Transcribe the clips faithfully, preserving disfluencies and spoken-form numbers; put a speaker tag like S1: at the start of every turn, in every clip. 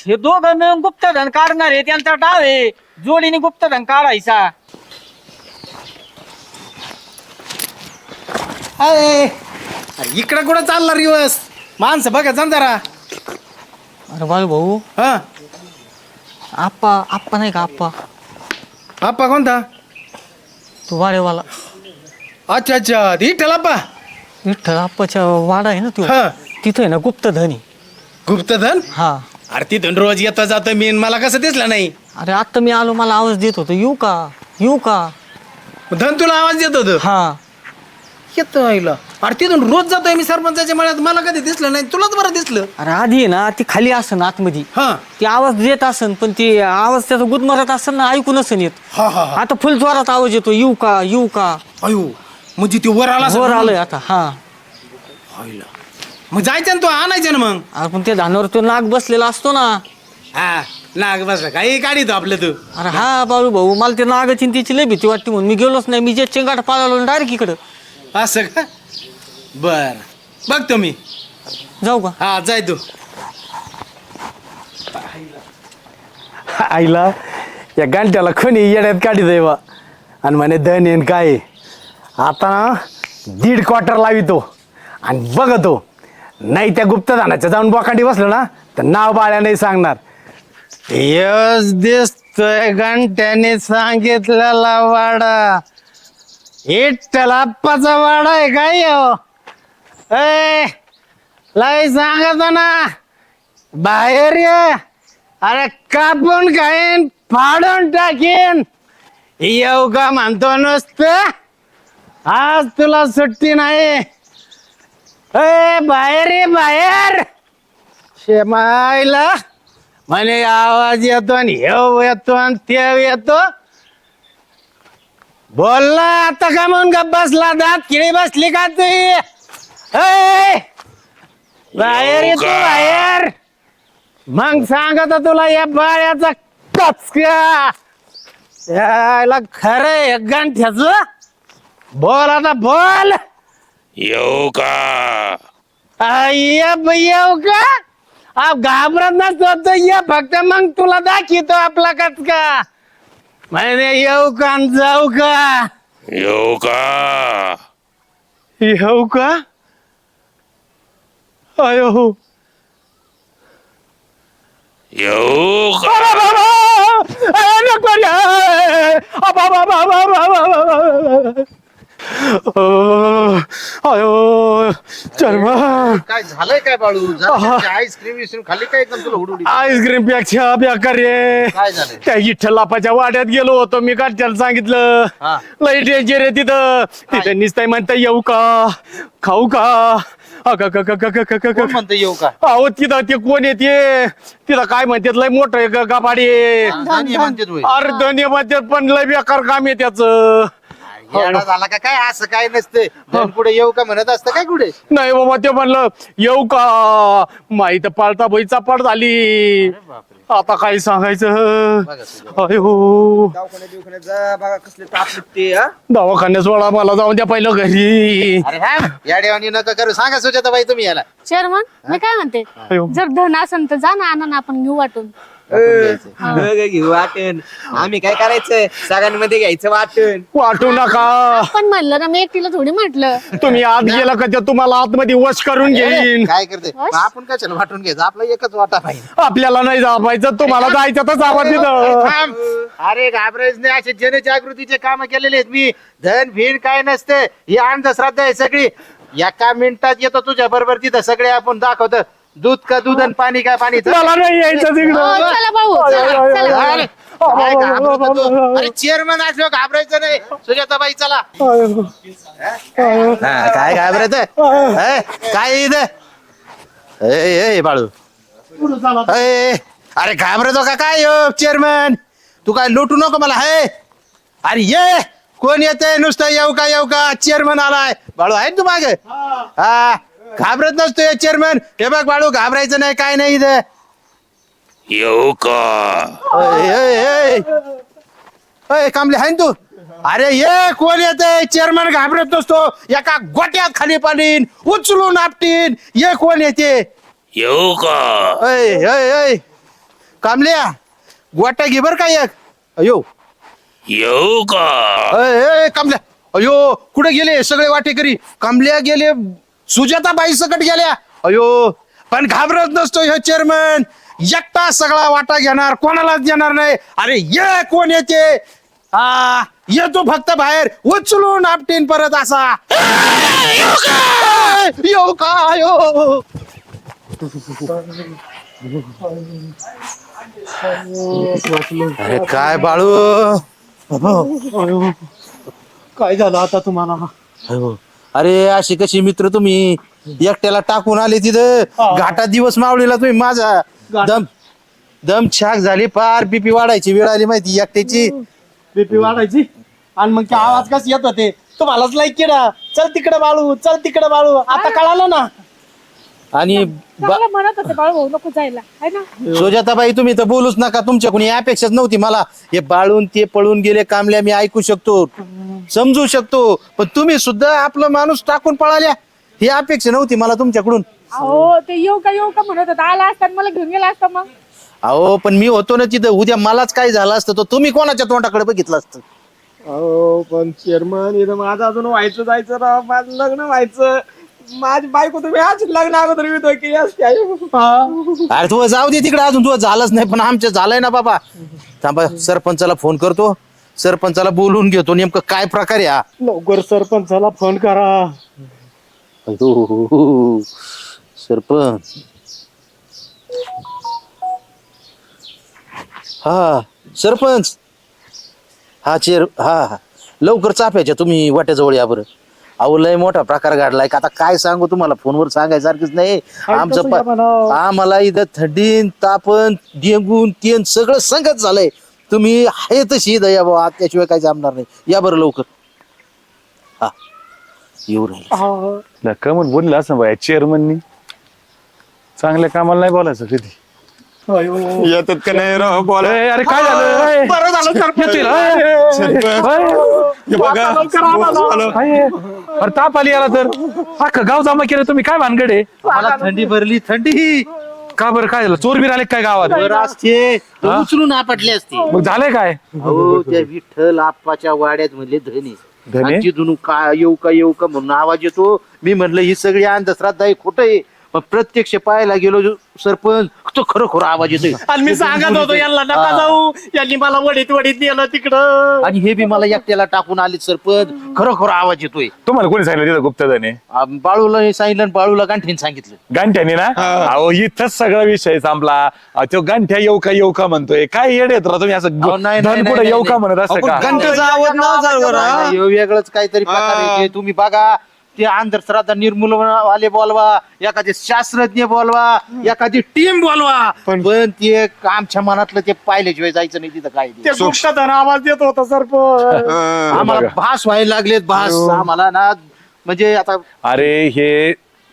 S1: हे दोघं मिळून गुप्तधन काढणार आहे, त्यांचा डाव आहे जोडीने गुप्तधन काढायचा.
S2: अरे इकडे कुठं चालला रिवर्स माणसं बघा जा जरा.
S1: अरे बाळू भाऊ,
S2: हा
S1: आप्पा आप्पा नाही का आप्पा,
S2: आप्पा कोणता?
S1: तू वाडेवाला
S2: अच्छा अच्छा विठ्ठल आप्पा.
S1: विठ्ठल आप्पाच्या वाडा आहे ना तू,
S2: हा
S1: तिथं आहे ना गुप्तधन आहे.
S2: गुप्तधन.
S1: हा
S2: अरे तिथून रोज येता जातो मी मला कसं दिसलं नाही.
S1: अरे आता मी आलो, मला आवाज देत होतो येऊ का येऊ का.
S2: धन तुला आवाज देत होत.
S1: हा
S2: येतो आईला. अरे तिथून रोज जातोय मी सरपंचाच्या मळ्यात मला कधी दिसलं नाही, तुलाच बरं दिसलं.
S1: अरे आधी आहे ना ती खाली असन आतमध्ये,
S2: हा
S1: ती आवाज देत असन पण ती आवाज त्याचा गुदमरत असन ना, ऐकू नसन येत.
S2: हा हा हा.
S1: आता फुल जोरात आवाज येतो येऊ का येऊ का.
S2: अयो म्हणजे ती वर आला
S1: वर आलोय आता. हा
S2: आईला. मग जायचं ना तू आणायचं ना मग.
S1: अरे पण त्या धानावर तो नाग बसलेला असतो ना.
S2: हा नाग बस काही काढितो आपलं तू.
S1: अरे हा बाळू भाऊ, मला ते नागाची त्याची लय भीती वाटते म्हणून मी गेलोच नाही. मी जे चेंगाट पाळालो डायरेक्ट इकडं.
S2: असं का? बर बघतो मी.
S1: जाऊ का.
S2: हा जाय तू.
S3: आईला या गांठ्याला कोणी येड्यात काढी देवा आणि म्हणे धन येईन काय. आता ना दीड क्वार्टर लावितो आणि बघतो, नाही त्या गुप्तधनाच्या जाऊन बोकांडी बसलं ना तर नाव बाळ्या नाही सांगणार. यस दिसतोय घंट्याने सांगितलेला वाडा, विठ्ठल आप्पाचा वाडा आहे काय हो. ए लाई सांगतो ना बाहेर ये. अरे कापून खाईन फाडून टाकीन. येऊ का म्हणतो नुसतं, आज तुला सुट्टी नाही. ए बाहेर ये बाहेर. शेमायला म्हणे आवाज येतो आणि येऊ येतो आणि ते येतो. बोल ना आता का म्हणून का बसला, दात किळी बसली का तू. ए बाहेर ये तू बाहेर. मग सांगत तुला या बाळ्याचा कचका यायला खरंय गंठ्याच. बोल आता बोल.
S4: येऊ का?
S3: येऊ येऊ का. आप घाबरत नसतो ये फक्त, मग तुला दाखवतो आपला कचका. म्हणे येऊ का आणि जाऊ का.
S4: येऊ का?
S3: येऊ का. अयो
S4: येऊ का?
S3: अयो चर्मा
S5: काय झालंय काय बाळू. आईस्क्रीम विस्क्रीम खाली काय एकदम तुला उडवली.
S3: आईस्क्रीम पेक्षा बेकार रे.
S5: काय झालंय.
S3: त्या इठ्ठलापाच्या वाड्यात गेलो होतो मी, काढच्याला सांगितलं
S5: हा.
S3: लई डेंजर रे तिथं. तिथं निसताय म्हणता येऊ का खाऊ का. अगं, ग, ग, ग, ग, ग, ग,
S5: कोण
S3: ग.
S5: म्हणतं येऊ का.
S3: अहो तिथं ते कोण येते तिथं काय म्हणतात लय मोठं आहे ग- गाभाडी आहे.
S5: धनी म्हणते तू.
S3: अरे धन्य म्हणतात पण लय बेकार काम आहे त्याच.
S5: येडा झाला का काय. असं काय नसतंय. धन पुढे येऊ का म्हणत असतं काय कुठे.
S3: नाही बाबा ते म्हणलं येऊ का. माहित पाळता बैचा पड झाली. आता काय सांगायचं. अयो
S5: दवाखान्यात बिवखान्यात जा बघा कसले ताप निघते. हा?
S3: दवाखान्यात सोडा मला जाऊन द्या पहिलं घरी.
S5: अरे हा या देवानी नका करू. सांगा सुजाता बाई तुम्ही याला.
S6: चेअरमन मी काय म्हणते,
S3: अयो.
S6: जर धन असेल तर जा ना, आणा ना, आपण घेऊ वाटून.
S7: घेऊ वाटण. आम्ही काय करायचं सगळ्यांमध्ये घ्यायचं वाटण.
S3: वाटू नका.
S6: पण म्हणलं ना, मी एकटीला थोडी म्हटलं.
S3: तुम्ही आत गेला का ते तुम्हाला आतमध्ये वश करून घेईन.
S5: काय करते मग आपण कशाला वाटून घ्यायचं. आपला एकच वाटा पाहिजे.
S3: आपल्याला नाही जापायचं, तुम्हाला जायचं तर जावा तिथं.
S5: थांब. अरे घाबरायच नाही. असे जनजागृतीचे काम केलेले आहेत मी. धन भिन काय नसते. ही अंधश्रद्धा आहे सगळी. एका मिनिटात येतो तुझ्या बरोबर तिथं सगळे आपण दाखवतो. दूध का दूध आणि पाणी काय पाणी.
S3: मला नाही यायचं
S6: हो,
S3: तिकडं.
S6: चला भाऊ, चला, चला.
S5: अरे, काय घाबरतो तू? अरे चेअरमन असलो घाबरायचं नाही. सुजाताबाई चला. हा, काय घाबरायचं काय इथं. ए, ए, बाळू ए, अरे घाबरतो का काय चेअरमन. तू काय लुटू नको मला. हे अरे ये कोण येते नुसतं येऊ का येऊ का. चेअरमन आलाय. बाळू आहे तू मागे. हा घाबरत नसतो चेअरमन. हे बघ बाळू घाबरायचं नाही काय नाही इथं.
S4: येऊ का?
S5: कामले आहे तू. अरे ये कोण येते. चेअरमन घाबरत नसतो. एका गोट्यात खाली पाडीन उचलून आपटीन. ये कोण येते.
S4: येऊ का?
S5: ऐ, ऐ, ऐ. कामल्या गोट्या घे बर का एक. अयो
S4: येऊ का
S5: अय, अय, कामल्या अयो कुठे गेले सगळे वाटेकरी. कामल्या गेले, सुजाता बाई सकट गेल्या. अयो पण घाबरत नसतो हे चेअरमन, एकटा सगळा वाटा घेणार, कोणालाच देणार नाही. अरे ये कोण येते, हा येतो फक्त बाहेर उचलून आपटीन परत असा. यो का यो अरे काय बाळू,
S2: काय झालं आता तुम्हाला?
S5: अयो, अरे अशी कशी मित्र तुम्ही, एकट्याला टाकून आले तिथं घाटात दिवस मावळीला तुम्ही. माझा दम दम छाक झाली, फार बीपी वाढायची वेळ आली माहिती एकट्याची.
S2: बीपी वाढायची आणि मग ते आवाज कस येत होते तुम्हालाच लाईक केला, चल तिकडे बाळू, चल तिकडे बाळू. आता कळालं ना.
S5: आणि बा-
S6: चांगलं म्हणत होते बाळू भाऊ नको जायला है ना.
S5: सुजाताबाई तुम्ही तर बोलूच नका, तुमच्या कोणी अपेक्षाच नव्हती मला. हे बाळून ते पळून गेले कामल्या, मी ऐकू शकतो, समजू शकतो, पण तुम्ही सुद्धा आपला माणूस टाकून पळाल्या ही अपेक्षा नव्हती मला तुमच्याकडून.
S6: अहो ते येऊ का येऊ का म्हणत होता, आला असता मला घेऊन गेला असता मग.
S5: अहो पण मी होतो ना तिथं, उद्या मलाच काय झालं असतं तर तुम्ही कोणाच्या तोंडाकडे बघितलं असतं.
S2: हो पण चेअरमन इथं माझं अजून व्हायचं जायचं राव, माझं लग्न व्हायचं, माझी बायको तुम्ही आज लग्न अगोदर मी तो केली असते.
S5: अरे तू जाऊ दे तिकडे, अजून तुझं झालंच नाही पण आमचं झालंय ना बाबा. थांबा सरपंचाला फोन करतो, सरपंचाला बोलून घेतो नेमकं काय प्रकार आहे हा.
S2: लवकर सरपंचाला फोन करा.
S5: अयो, सरपंच हा सरपंच हा चेअर हा हा. लवकर चाफ्याच्या तुम्ही वाट्याजवळ या बरं. अहो लय मोठा प्रकार घडलाय का, आता काय सांगू तुम्हाला, फोनवर सांगायसारखंच नाही. आमचं प- आम्हाला इथं थंडीन तापन डेंगून तेन सगळं संगत झालंय. तुम्ही आहे तशी दया बाबा, त्याशिवाय काय जमणार नाही. या बरं लवकर. हा येऊ राहील.
S8: कमल बोलला असं बाय चेअरमननी, चांगल्या कामाला नाही बोलायचं कधी.
S7: येतात का नाही राव बोला.
S8: ए, अरे काय झालं ए,
S2: बरं झालं सरपंच.
S8: येतील, ए, ए,
S7: बघा
S8: काय आहे? अरे ताप आली याला तर अख्खं गाव जमा केलं तुम्ही, काय भानगड आहे?
S5: मला थंडी भरली, थंडी
S8: का बरं काय झालं, चोर बीर आले काय गावात?
S5: बरं असते तर उचलून आपटले असते.
S8: मग झालंय काय?
S5: हो त्या विठ्ठल आप्पाच्या वाड्यात म्हणले धने
S8: धने?
S5: आणि तिथून का येऊ का येऊ का म्हणून आवाज येतो. मी म्हणलं ही सगळी अंधश्रद्धा आहे, खोटं आहे. पण प्रत्यक्ष पाहायला गेलो जो सरपंच, तो खरोखर आवाज येतोय.
S2: आणि मी सांगत होतो यांना नका जाऊ, यांनी मला वडीत वडीत नेलं तिकडं.
S5: आणि हे बी मला एकट्याला टाकून आले सरपंच, खरोखर आवाज येतोय.
S8: तुम्हाला कोणी सांगितलं तिथं गुप्तधने?
S5: आ, बाळूला हे सांगितलं आणि बाळूला गांठीन सांगितलं.
S8: गांठ्याने ना? अहो इथंच सगळा विषय संपला. अहो, तो गांठ्या येऊ का येऊ का म्हणतोय, काय येड येत राव तुम्ही असं
S5: अहो, नाही, नाही,
S8: धन
S5: नाही,
S8: कुठं येऊ
S5: नाही,
S8: का म्हणत असं
S5: अहो,
S8: का?
S5: पण घंटेचा आवाज नाव झालं बरं, हा? नाही, हे वेगळंच काहीतरी प्रकार आहे ते. तुम्ही बघा ते अंधश्रद्धा निर्मूलवाले बोलवा, एखादे शास्त्रज्ञ बोलवा, एखादी टीम बोलवा, पण ते आमच्या मनातलं ते पाहिल्याशिवाय जायचं नाही तिथं काय ते.
S2: ते गुप्तधन आवाज देत होता सरपंच.
S5: आम्हाला भास व्हायला लागलेत, भास आम्हाला ना. म्हणजे आता
S8: अरे हे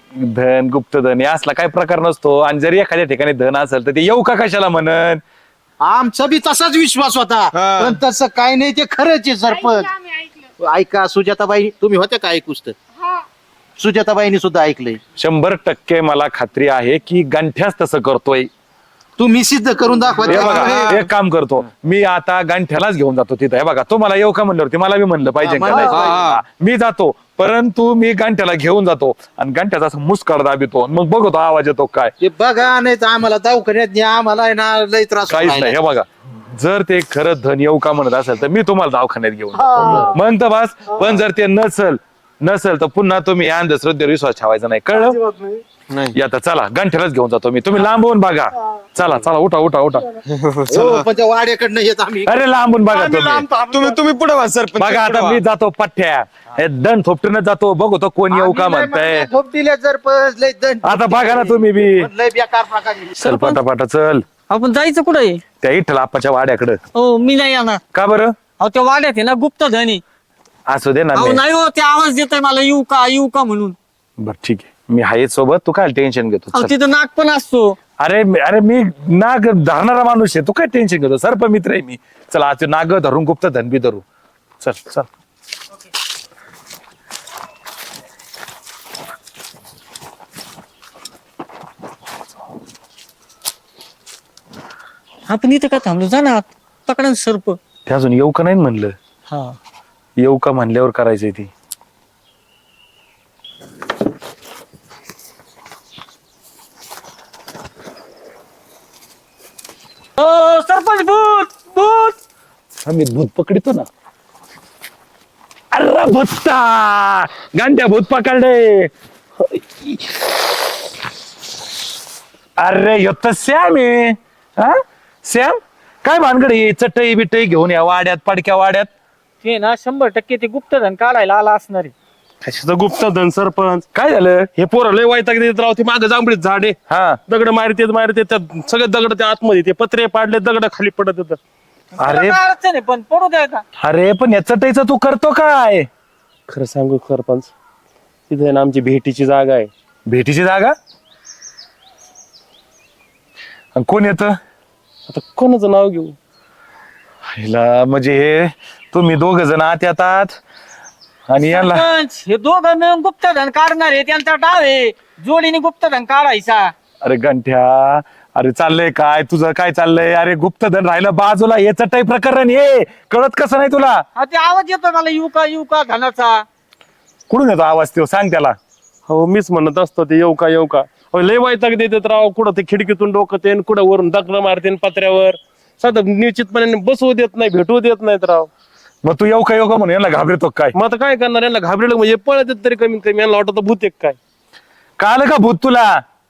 S8: धन गुप्तधन हे असला काही प्रकार नसतो, आणि जरी एखाद्या ठिकाणी धन असेल तर ते येऊ का कशाला म्हणन.
S5: आमचा बी तसाच विश्वास होता, पण तसं काही नाही, ते खरंच आहे सरपंच.
S6: आम्ही ऐकलं.
S5: ऐका सुजाताबाई, तुम्ही होत्या का ऐकूच तर?
S6: हा.
S5: सुजाताबाईंनी सुद्धा ऐकलंय.
S8: शंभर टक्के मला खात्री आहे की गंठ्याच तसं करतोय.
S5: तुम्ही सिद्ध करून दाखवा.
S8: हे बघा एक काम करतो मी, आता गांठ्यालाच घेऊन जातो तिथं. हे बघा तो मला येऊ का म्हणल्यावरती मला बी म्हणलं पाहिजे
S5: हा,
S8: का
S5: म्हणलं
S8: नाही?
S5: पाहिजे.
S8: हा, मी जातो, परंतु मी गांठ्याला घेऊन जातो आणि गांठ्याचा असं मुस्काड दाबितो, मग बघतो आवाज येतो काय.
S5: ते बघा, नाही तर आम्हाला दवाखान्यात न्या, आम्हाला आहे ना लय त्रास
S8: काहीच
S5: होऊन
S8: नाही. हे
S5: राहिला.
S8: बघा जर ते खरंच धन येऊ का म्हणत असेल तर मी तुम्हाला दवाखान्यात घेऊन जातो. म्हणतं बस. पण जर ते नसल नसेल तर पुन्हा तुम्ही या अंधश्रद्धेवर विश्वास ठेवायचा नाही, कळलं? या तर चला गांठ्यालाच घेऊन जातो मी, तुम्ही लांबून बघा. चला चला उठा उठा उठा.
S5: हो, पण त्या वाड्याकडनं येत आम्ही.
S8: अरे लांबून बघा तुम्ही.
S7: तुम्ही तुम्ही पुढे व्हा सरपंच.
S8: बघा आता मी जातो पठ्ठ्या, हे दन थोपटूनच जातो, बघू तो कोण येऊ का
S5: आम्ही लय
S8: म्हणताय.
S5: मागण्या खूप दिल्या सरपंच, लय दंड.
S8: आता बघा ना तुम्ही बी.
S5: पण लय बेकार प्रकार आहे.
S8: चल पटापटा चल
S1: आपण जायचं कुठे?
S8: त्या इठ्ठल आप्पाच्या वाड्याकडं.
S1: हो मी नाही येणार.
S8: का बरं?
S1: अहो त्या वाड्यात आहे ना गुप्तधन आहे.
S8: असू दे ना.
S1: अहो
S8: मी-
S1: नाही हो, ते आवाज देतोय मला येऊ का येऊ का म्हणून.
S8: बरं ठीक आहे, मी आहे सोबत, तू काय टेन्शन घेतो.
S1: अहो
S8: चल.
S1: तिथं नाक पण असतो.
S8: अरे मी- अरे मी नाग धरणारा माणूस आहे, तू काय टेन्शन घेतो, सर्प मित्र आहे मी. चला आज नाग धरून गुप्त धन बी धरू. चल चल.
S1: आपण इथे का थांबलो जा ना आत. पकडा ना सर्प.
S8: ते अजून येऊ का नाही म्हणलं.
S1: हा
S8: येऊ का म्हणल्यावर करायचंय ती.
S1: ओ सरपंच भूत भूत.
S8: आम्ही भूत पकडितो ना. अरे भूता गांड्या भूत पकडले. अरे ह्यो तर श्याम आहे. हा श्याम काय भानगड आहे? चटई बिटई घेऊन या वाड्यात पडक्या वाड्यात.
S1: ते ना शंभर टक्के ते गुप्तधन काढायला आला असणार आहे.
S2: कशाचं गुप्तधन सरपंच?
S8: काय झालं?
S2: हे पोरं लय वैताग देत राव. ते मागं जांभळीत झाड आहे.
S8: हा
S2: दगड मारते मारते त्यात सगळे दगड त्या आतमध्ये ते पत्रे पाडले दगड खाली पडत होतं.
S8: अरे
S1: तुला काय अडचण आहे पण पडू द्या का.
S8: अरे पण या चटईचं तू करतो काय?
S2: खरं सांगू सरपंच, तिथे ना आमची भेटीची जागा आहे.
S8: भेटीची जागा? आणि कोण येत?
S2: आता कोणाचं नाव घेऊ?
S8: हिला म्हणजे हे तुम्ही दोघ जण आत येतात आणि याला
S1: सरपंच, हे दोघं मिळून गुप्तधन काढणार आहे. त्यांचा डाव आहे जोडीने गुप्तधन काढायचा.
S8: अरे गंठ्या अरे चाललंय काय तुझं? काय चाललंय? अरे गुप्तधन राहिलं बाजूला. हे चटई प्रकरण हे कळत कसं नाही तुला?
S1: हा ते आवाज येतो मला युका युका धनाचा.
S8: कुठून येतो आवाज तो? सांग त्याला.
S2: हो मीच म्हणत असतो ते येऊ का येऊ का. अहो, लय वैताग देतात राव. कुठं ते खिडकीतून डोकं ते कुठं वरून दगड मारते पत्र्यावर. साधं निश्चितपणे बसवू देत नाही, भेटवू देत नाहीत राव.
S8: मग तू येऊ का येऊ का म्हणून याला घाबरतो काय?
S2: मग आता काय करणार? यांना घाबरेलं म्हणजे पळत तरी कमीत कमी यांना वाटत भूत एक काय.
S8: कळालं का भूत तुला?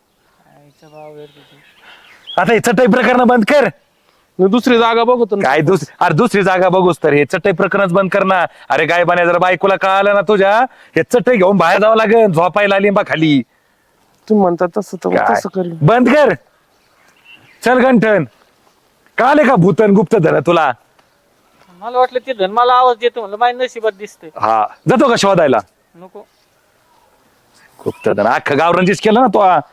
S8: आता हे चटई प्रकरण बंद कर.
S2: मी दुसरी जागा बघतो ना.
S8: काय दुसरी? अरे दुसरी जागा बघूस तर हे चटई प्रकरणच बंद कर ना. अरे गाय बाने जर बायकोला कळालं ना तुझ्या, हे चटई घेऊन बाहेर जावं लागेल झोपायला लिंबा खाली.
S2: तुम्ही म्हणता तसं तर
S8: काय?
S2: तसं करेल.
S8: बंद कर. चल गंठन कळाले का भूतन गुप्त धन तुला?
S1: मला वाटलं ते धन मला आवाज देतो म्हणलं माझ्या नशिबात दिसतंय.
S8: हा जातो का शोधायला?
S1: नको.
S8: गुप्त धन अख्खं गाव रंजीस केलं ना तो.